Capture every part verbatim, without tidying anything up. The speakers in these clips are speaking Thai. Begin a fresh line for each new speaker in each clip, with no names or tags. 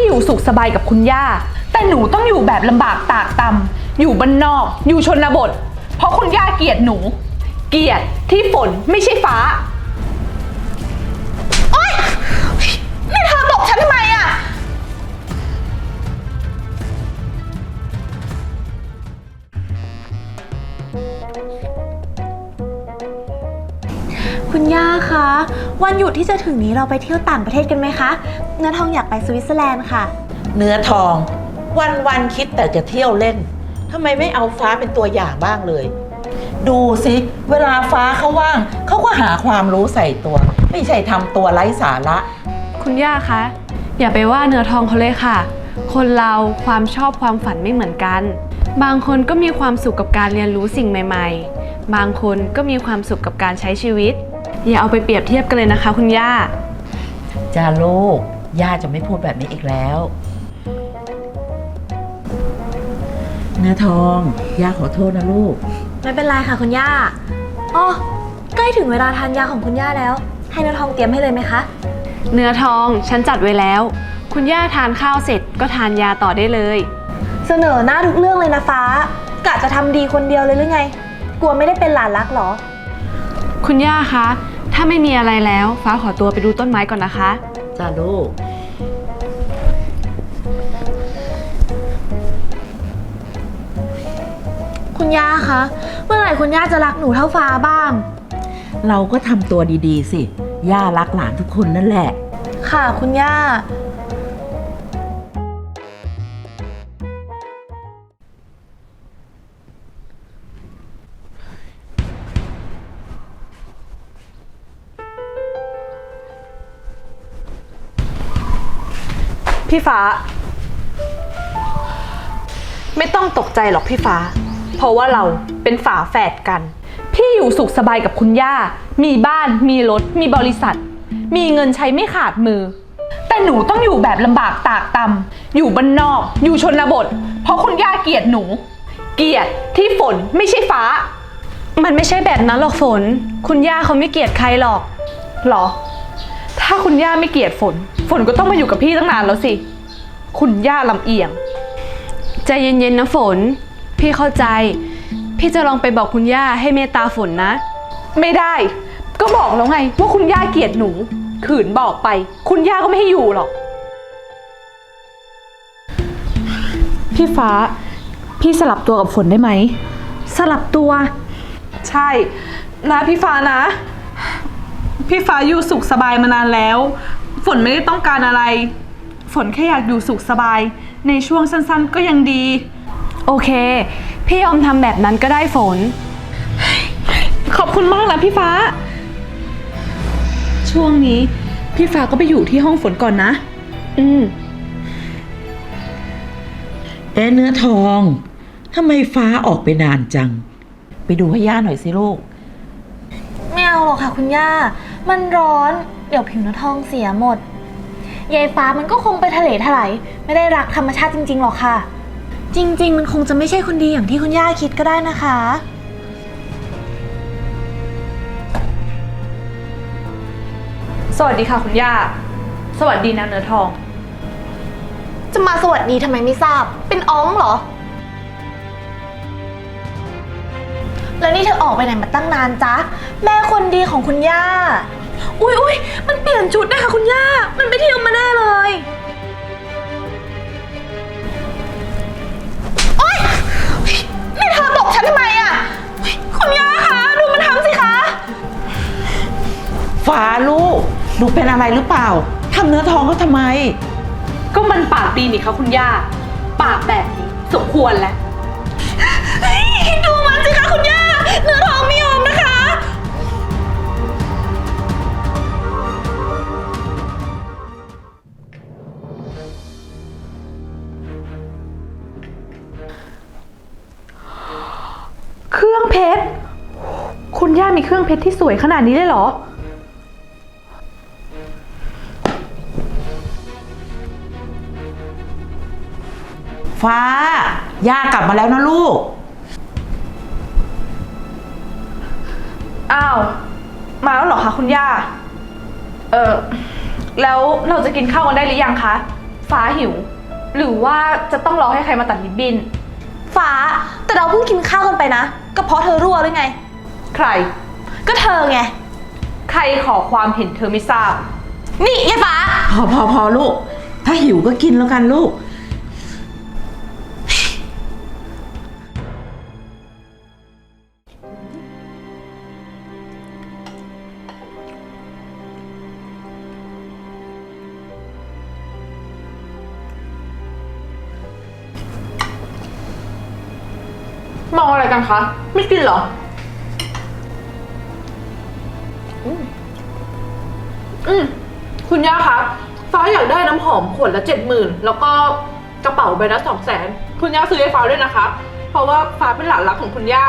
อยู่สุขสบายกับคุณย่าแต่หนูต้องอยู่แบบลำบากตากตำอยู่บ้านนอกอยู่ชนบทเพราะคุณย่าเกลียดหนูเกลียดที่ฝนไม่ใช่ฟ้าโอ๊ยนี่เธอตบฉันทำไมอะ
คุณย่าคะวันหยุดที่จะถึงนี้เราไปเที่ยวต่างประเทศกันไหมคะเนื้อทองอยากไปสวิตเซอร์แลนด์ค่ะ
เนื้อทองวันวันคิดแต่จะเที่ยวเล่นทำไมไม่เอาฟ้าเป็นตัวอย่างบ้างเลยดูสิเวลาฟ้าเขาว่างเขาก็หาความรู้ใส่ตัวไม่ใช่ทำตัวไร้สาระ
คุณย่าคะอย่าไปว่าเนื้อทองเขาเลยค่ะคนเราความชอบความฝันไม่เหมือนกันบางคนก็มีความสุขกับการเรียนรู้สิ่งใหม่ๆบางคนก็มีความสุขกับการใช้ชีวิตอย่าเอาไปเปรียบเทียบกันเลยนะคะคุณย่า
จ้าลูกย่าจะไม่พูดแบบนี้อีกแล้วเนื้อทองย่าขอโทษนะลูก
ไม่เป็นไรค่ะคุณย่าอ๋อใกล้ถึงเวลาทานยาของคุณย่าแล้วให้เนื้อทองเตรียมให้เลยไหมคะ
เนื้อทองฉันจัดไว้แล้วคุณย่าทานข้าวเสร็จก็ทานยาต่อได้เลย
เสนอหน้าทุกเรื่องเลยนะฟ้ากะจะทำดีคนเดียวเลยหรือไงกลัวไม่ได้เป็นหลานรักหรอ
คุณย่าคะถ้าไม่มีอะไรแล้วฟ้าขอตัวไปดูต้นไม้ก่อนนะคะ
จ้าลูก
คุณย่าคะเมื่อไหร่คุณย่าจะรักหนูเท่าฟ้าบ้าง
เราก็ทำตัวดีๆสิย่ารักหลานทุกคนนั่นแหละ
ค่ะคุณย่า
พี่ฟ้าไม่ต้องตกใจหรอกพี่ฟ้าเพราะว่าเราเป็นฝาแฝดกันพี่อยู่สุขสบายกับคุณย่ามีบ้านมีรถมีบริษัทมีเงินใช้ไม่ขาดมือแต่หนูต้องอยู่แบบลำบากตากตำอยู่บ้านนอกอยู่ชนบทเพราะคุณย่าเกลียดหนูเกลียดที่ฝนไม่ใช่ฟ้า
มันไม่ใช่แบบนั้นหรอกฝนคุณย่าเขาไม่เกลียดใครหรอก
หรอถ้าคุณย่าไม่เกลียดฝนฝนก็ต้องมาอยู่กับพี่ตั้งนานแล้วสิคุณย่าลำเอียง
ใจเย็นๆนะฝนพี่เข้าใจพี่จะลองไปบอกคุณย่าให้เมตตาฝนนะ
ไม่ได้ก็บอกแล้วไงว่าคุณย่าเกลียดหนูขืนบอกไปคุณย่าก็ไม่ให้อยู่หรอกพี่ฟ้าพี่สลับตัวกับฝนได้ไหม
สลับตัว
ใช่นะพี่ฟ้านะพี่ฟ้าอยู่สุขสบายมานานแล้วฝนไม่ได้ต้องการอะไรฝนแค่อยากอยู่สุขสบายในช่วงสั้นๆก็ยังดี
โอเคพี่ยอมทำแบบนั้นก็ได้ฝน
ขอบคุณมากนะพี่ฟ้าช่วงนี้พี่ฟ้าก็ไปอยู่ที่ห้องฝนก่อนนะ
อืม
เอ๊ะเนื้อทองทำไมฟ้าออกไปนานจังไปดูให้ย่าหน่อยสิลูก
ไม่เอาหรอกค่ะคุณย่ามันร้อนเดี๋ยวผิวเนื้อทองเสียหมดยายฟ้ามันก็คงไปทะเลถลายไม่ได้รักธรรมชาติจริงๆหรอกค่ะจริงๆมันคงจะไม่ใช่คนดีอย่างที่คุณย่าคิดก็ได้นะคะ
สวัสดีค่ะคุณย่าสวัสดีนะเนื้อทอง
จะมาสวัสดีทำไมไม่ทราบเป็นอ้องเหรอแล้วนี่เธอออกไปไหนมาตั้งนานจ๊ะแม่คนดีของคุณย่าอุ๊ยอุ๊ยมันเปลี่ยนชุดนะคะคุณย่ามันไปเที่ยวมาแน่เลยโอ๊ยนี่เธอตบฉันทำไมอ่ะคุณย่าคะดูมันทำสิคะ
ฟ้าลูกดูเป็นอะไรหรือเปล่าทำเนื้อทองเขาทำไม
ก็มันปากดีนี่คะคุณย่าปากแบบนี้สมควรแล้ว
ดูมันสิคะคุณย่าเนื้อทองไม่ยอมนะคะ
เครื่องเพชรคุณย่ามีเครื่องเพชรที่สวยขนาดนี้เลยเหรอ
ฟ้าย่ากลับมาแล้วนะลูก
อ้าวมาแล้วเหรอคะคุณย่าเออแล้วเราจะกินข้าวกันได้หรือยังคะฟ้าหิว หรือว่าจะต้องรอให้ใครมาตัดริบบิ้น
ฟ้า แต่เราเพิ่งกินข้าวกันไปนะ ก็เพราะเธอรั่วหรือไง
ใคร
ก็เธอไง
ใครขอความเห็นเธอไม่ทราบ
นี่ยายฟ้า
พอพอพอลูก ถ้าหิวก็กินแล้วกันลูก
มองอะไรกันคะ ไม่กินเหรอ อืม คุณย่าคะ ฟ้าอยากได้น้ำหอมขวดละเจ็ดหมื่นแล้วก็กระเป๋าใบละสองแสน คุณย่าซื้อให้ฟ้าด้วยนะคะ เพราะว่าฟ้าเป็นหลานรักของคุณย่า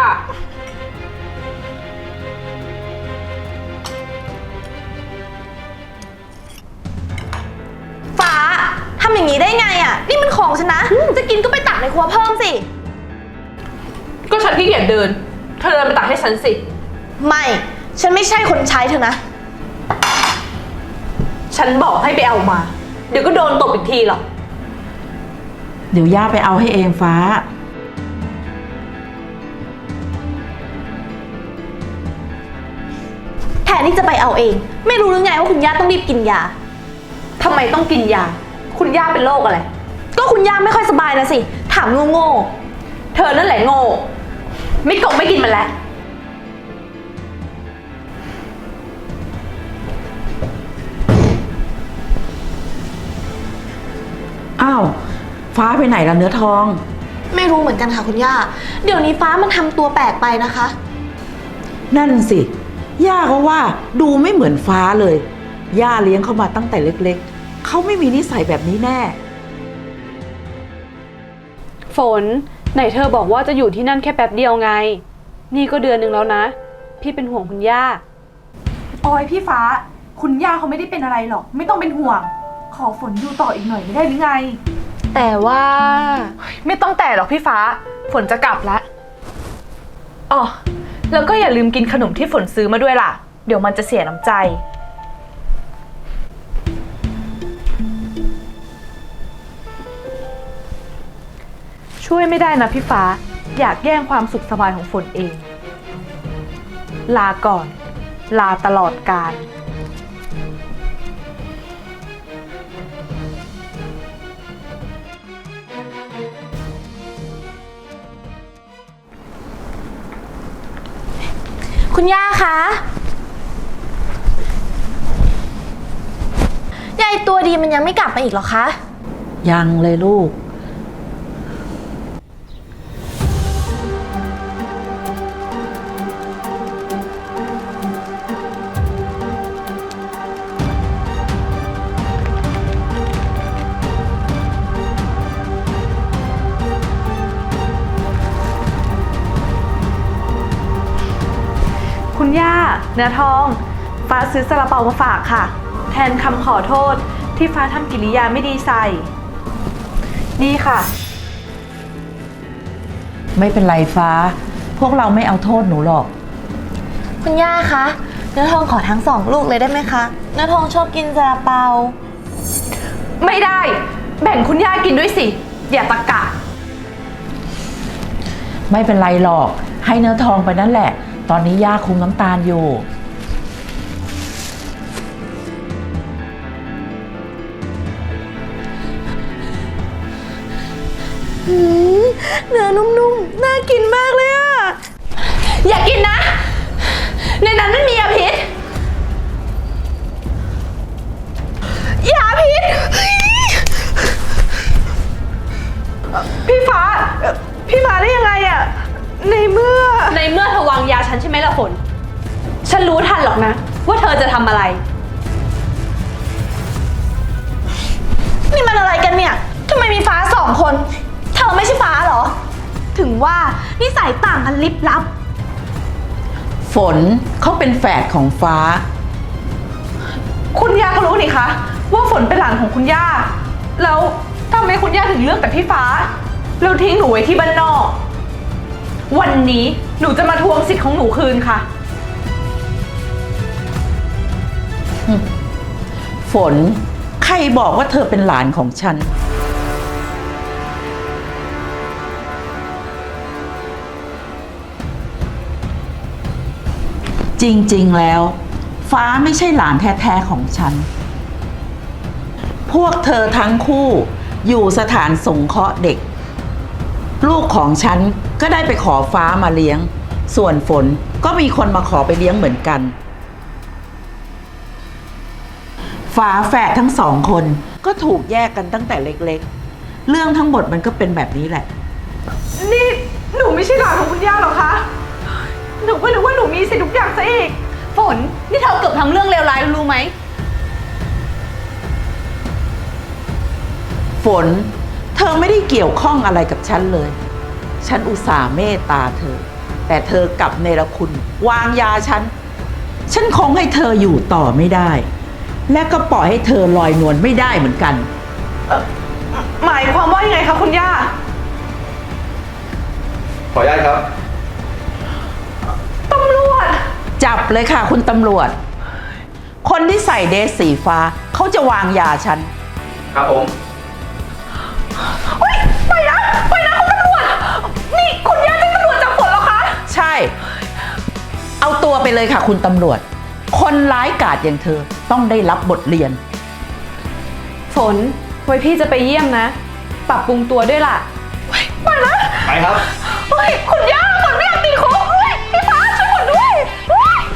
ฟ้าทำอย่างนี้ได้ไงอ่ะ นี่มันของฉันนะ จะกินก็ไปตักในครัวเพิ่มสิ
ก็ฉันขี้เกียจเดิน เธอเดินไปตักให้ฉันสิ
ไม่ ฉันไม่ใช่คนใช้เธอนะ
ฉันบอกให้ไปเอามา เดี๋ยวก็โดนตบอีกทีหรอก
เดี๋ยวย่าไปเอาให้เองฟ้า
แทนที่จะไปเอาเอง ไม่รู้หรือไงว่าคุณย่าต้องรีบกินยา
ทำไมต้องกินยา คุณย่าเป็นโรคอะไร
ก็คุณย่าไม่ค่อยสบายนะสิ ถามโง่
เธอนั่นแหละโง่ ไม่กงไม่กินมันแล้ว
อ้าว ฟ้าไปไหนล่ะเนื้อทอง
ๆไม่รู้เหมือนกันค่ะคุณย่า เดี๋ยวนี้ฟ้ามันทำตัวแปลกไปนะคะ
นั่นสิ ย่าก็ว่าดูไม่เหมือนฟ้าเลย ย่าเลี้ยงเขามาตั้งแต่เล็กๆ เขาไม่มีนิสัยแบบนี้แน่
ฝน ไหนเธอบอกว่าจะอยู่ที่นั่นแค่แป๊บเดียวไง นี่ก็เดือนหนึ่งแล้วนะ พี่เป็นห่วงคุณย่า
โอ้ยพี่ฟ้า คุณย่าเขาไม่ได้เป็นอะไรหรอก ไม่ต้องเป็นห่วง ขอฝนอยู่ต่ออีกหน่อยไม่ได้หรือไง
แต่ว่า
ไม่ต้องแต่หรอกพี่ฟ้า ฝนจะกลับแล้วอ๋อแล้วก็อย่าลืมกินขนมที่ฝนซื้อมาด้วยล่ะ เดี๋ยวมันจะเสียน้ำใจ ช่วยไม่ได้นะพี่ฟ้า อยากแย่งความสุขสบายของฝนเอง ลาก่อน ลาตลอดกาล
คุณย่าคะยายตัวดีมันยังไม่กลับมาอีกเหรอคะ
ยังเลยลูก
คุณย่า เนื้อทอง ฟ้าซื้อซาลาเปามาฝากค่ะ แทนคำขอโทษที่ฟ้าทำกิริยาไม่ดีใส่ นี่ค่ะ
ไม่เป็นไรฟ้า พวกเราไม่เอาโทษหนูหรอก
คุณย่าคะเนื้อทองขอทั้งสองลูกเลยได้ไหมคะเนื้อทองชอบกินซาลาเปา
ไม่ได้ แบ่งคุณย่ากินด้วยสิ อย่าตะกะ
ไม่เป็นไรหรอก ให้เนื้อทองไปนั่นแหละ ตอนนี้ย่าคุมน้ำตาลอยู่
เนื้อนุ่มๆ น่ากินมากเลยอะ
อย่ากินนะ ในนั้นไม่มียาพิษ ยาพิษ พี่ฟ้า พี่มาได้ยังไงอะในเมื่อ ในเมื่อเธอวางยาฉันใช่ไหมล่ะฝน ฉันรู้ทันหรอกนะ ว่าเธอจะทำอะไร
นี่มันอะไรกันเนี่ยทำไมมีฟ้าสองคน เธอไม่ใช่ฟ้าเหรอ ถึงว่านิสัยต่างกันลิบลับ
ฝนเขาเป็นแฝดของฟ้า
คุณย่าก็รู้นี่คะว่าฝนเป็นหลานของคุณย่า แล้วทำไมคุณย่าถึงเลือกแต่พี่ฟ้าแล้วทิ้งหนูไว้ที่บ้านนอก วันนี้หนูจะมาทวงสิทธิ์ของหนูคืนค่ะ
ฝนใครบอกว่าเธอเป็นหลานของฉัน จริงๆ แล้ว ฟ้าไม่ใช่หลานแท้ๆ ของฉัน พวกเธอทั้งคู่อยู่สถานสงเคราะห์เด็ก ลูกของฉันก็ได้ไปขอฟ้ามาเลี้ยง ส่วนฝนก็มีคนมาขอไปเลี้ยงเหมือนกัน ฝาแฝดทั้งสองคนก็ถูกแยกกันตั้งแต่เล็กๆ เรื่องทั้งหมดมันก็เป็นแบบนี้แหละ
นี่หนูไม่ใช่หลานของคุณย่าหรอคะ หนูก็นึกว่าหนูมีสิทธิ์ทุกอย่างซะอีก
ฝน นี่เธอเกือบทำเรื่องเลวร้ายรู้ไหม
ฝน เธอไม่ได้เกี่ยวข้องอะไรกับฉันเลย ฉันอุตส่าห์เมตตาเธอ แต่เธอกลับเนรคุณ วางยาฉัน ฉันคงให้เธออยู่ต่อไม่ได้ และก็ปล่อยให้เธอลอยนวลไม่ได้เหมือนกัน
หมายความว่ายังไงคะคุณย่า
ขออนุญาตครับ
ตำรวจ
จับเลยค่ะคุณตำรวจ คนที่ใส่เดรสสีฟ้าเขาจะวางยาฉัน
ครับผม
เฮ้ยไปนะไปนะคุณตำรวจ นี่คุณย่าเป็นตำรวจจับฝนเหรอคะ
ใช่ เอาตัวไปเลยค่ะคุณตำรวจ คนร้ายกาจอย่างเธอต้องได้รับบทเรียน
ฝน ไว้พี่จะไปเยี่ยมนะ ปรับปรุงตัวด้วยล่ะ
ไปนะ
ไปครับ
เฮ้ยคุณย่าฝนไม่อยากติดคุกเฮ้ยพี่ฟ้าช่วยฝนด้วยเฮ้ย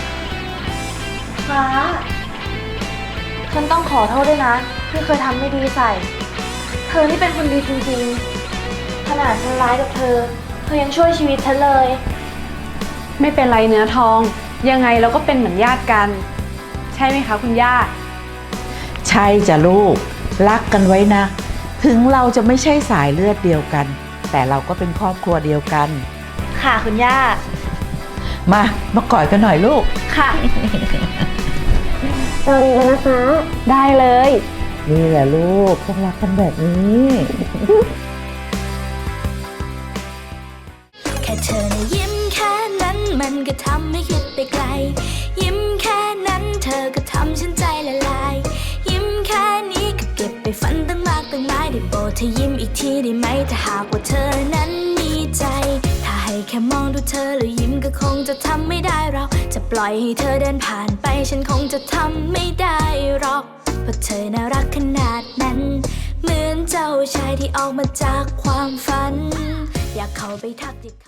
ฟ้า ฉันต้องขอโทษด้วยนะที่เคยทำไม่ดีใส่ เธอนี่เป็นคนดีจริงๆ ขนาดฉันร้ายกับเธอ เธอยังช่วยชีวิตฉันเลย
ไม่เป็นไรเนื้อทอง ยังไงเราก็เป็นเหมือนญาติกัน ใช่ไหมคะคุณย่า
ใช่จ้ะลูก รักกันไว้นะ ถึงเราจะไม่ใช่สายเลือดเดียวกัน แต่เราก็เป็นครอบครัวเดียวกัน
ค่ะคุณย่า
มามากอดกันหน่อยลูก
ค่ะ
ได้เลย
นี่แหละลูกต้องรักกันแบบนี้
แค่เธอนะยิ้มแค่นั้นมันก็ทำให้คิดไปไกล ยิ้มแค่นั้นเธอก็ทำฉันใจละลาย ยิ้มแค่นี้ก็เก็บไปฝันตั้งมากตั้งหลายได้โปรดเธอยิ้มอีกทีได้ไหมถ้าหากว่าเธอนั้นมีใจ ถ้าให้แค่มองดูเธอแล้วยิ้มก็คงจะทำไม่ได้เราจะปล่อยให้เธอเดินผ่านไปฉันคงจะทำไม่ได้หรอกเพราะเธอน่ารักขนาดนั้น เหมือนเจ้าชายที่ออกมาจากความฝัน อยากเข้าไปทักทิ